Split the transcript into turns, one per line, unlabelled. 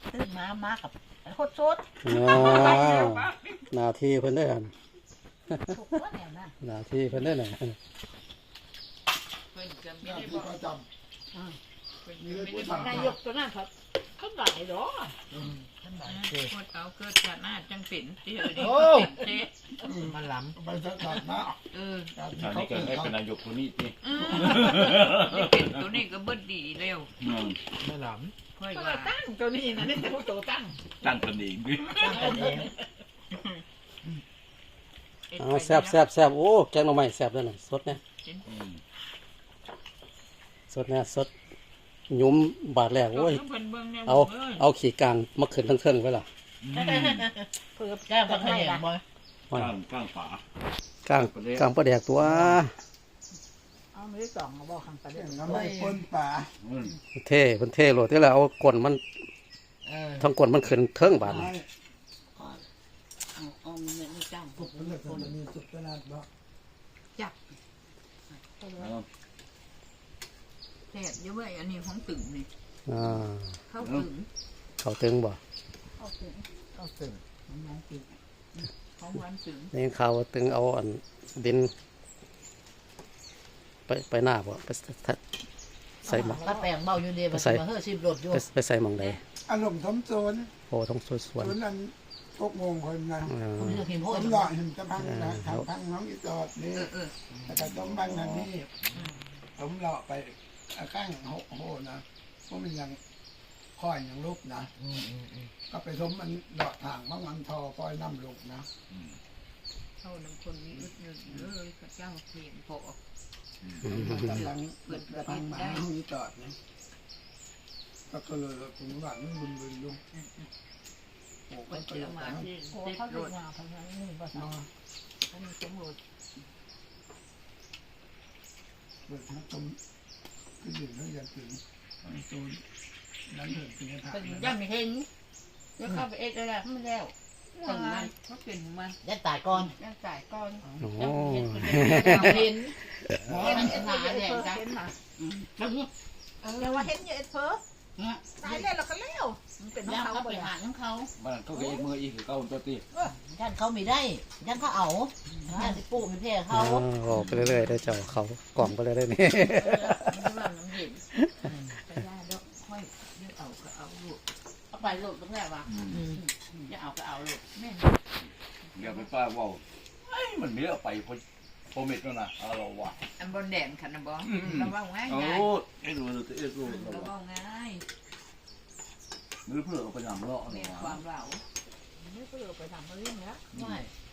ตื่นมากับโคตรสด
หน้าที่เพิ่นได้หั่น
ถูกว่าแนวนั้น
หน้าที่เพิ่นได้น่ะ
เพิ่นจะไม่ได้บอก
ประจ
เพิ่นจะไม่ได้บอก
นายกตัวนั้นเขาหลายหรอท่านหลายเ
คนเอาเกิดจากหน้าจังเป็นที่เออนี่เจ๊
มันล้
ำไปสักตัดนะ
เออ
การ
ชาติ
เขา
นี้เกิ
เป็
ด
น
ให้
เขา
เป็นนายกคนนี้สิ
นี่เป็นตัวนี้ก็เบิดดีเร็ว
ไม่ล้
ค่อย
ำก็
ว่า
ตั้งตัวนี้นะนี่ตัวโตตั้ง
ตั้งตนเองดิ
ตั้งกันเอง
เอาแซ่บโอ้แกงหน่อไม้แซ่บด้วยน่ะสดแน่สดแน่สดหยุ้มบาดแรกโอ้ยเอาขี้กลางมาขึ้นทั้งเทิงไว้ล่ะ
เพื่อแก้ปัญหาบ่อย
ข้างฝาก
ลางกลางปลาแดกตัว
เอาไม่ได้สองบอกข้างประเด็น
น้ำไม่ปนป่า
เท่เพิ่นเท่โลดที่แล้วเอาก้นมันทั้งก้นมันขึ้นเทิงบาด
ไม่
เอาไม่จ้าง
สุกเป็นเรื่องคนนี้สุกขนาดบ่
แซ่บเยอะเว้ยอันนี้ของตึงนี่
อ่า
เข้าตึง
เขาตึงบ่
เอาถึงน้องกิน
ของวันตึง
นี่ข่าวว่าตึงเอาอันดินไปหน้าบ่ไปใส่หมอง
ถ้าแปลงเบาอยู่ดีมันมาเฮ้อชิบหลดอยู่
ไปใส่หมองใด
อารมณ์สมโซน
โอ้ต้องสวน
ส่วนนั้นพวกงงคนนะ
ๆอ่า
ผมจะพิมพ์
ผ
โอ้ย
มหล่อเห็นจะพังนะทางพังน้องอีจอดนี่
เออ
แต่ก็ต้องบ้านนั้นนี่ผมหล่อไปข้างโหนะเพราะมันยังค่อยยังลุกนะก็ไปสมมันหล่อทางบางวันทอค่อยน้ำลุกนะ
เข้าน้ำคนนี้อึดนึงเลยพระเจ้าเพียงพอ
กำลังกำลังมาห้องอีจอดนะก็เลยผมหวังบึนลุงโอ้ก็
มัน
เจ
เจ
อ
อ
มา
มาที่
โอ้
ติด
เขา
ร
ดู
ถ
งาพันนั้นนี่ภาษาเขามีสมรส
เปิดมาต้มขึ้นอยู่แล้วอย่าถึงโซนนั้นเถิดเป็นทาง
เป็นย่าไม่เห็นแล้วเข้าไปเอ็ดอะไรไม่แล้ว
ตึงมันเขาเป็นของมัน
ยันตายก่อน
ยังจ่ายก้อน
โอ้
เห็น
เห็น
มันจะหนาเนี่ยจ้ะ
แต่ว่าเห็นอยู่เพิ่ตายแล้วเราก็เลี้ยวมันเป็น
ย่า
เขา
เขาไป
บ่
หาของเขา
บ้านเขาก็เองมืออีกคือเก้าตัวตี
ย่านเขาไม่ได้ย่านเขาเอาย่านที่ปลูกเป็นแพร่เขา
บอกไปเรื่อยๆได้เจ้าเขากล่องไปเลยได้นี่
มันว่ามันเห็นไปได้แล้วค่อยเลือกเอาก็เอาลูก
เอาไปลูกตรงแรกว่ะอย่าเอาก็เอาลูก
แม่
อย่าไปป้าว่ามันไม่เอาไปพอเม็ดแล้วนะเราว่ะ
อันบนแดนขันนะบอเราว่าง่าย
โอ้
ง่าย
ไอ้ดูไอ้ดู
เราว่าง่าย
มือเพื่อเอาไปทำเลาะ
เมี
เนี่ย
ความเรา
ไม่เพื่อไปทำเขาเรื่องแล้วไม่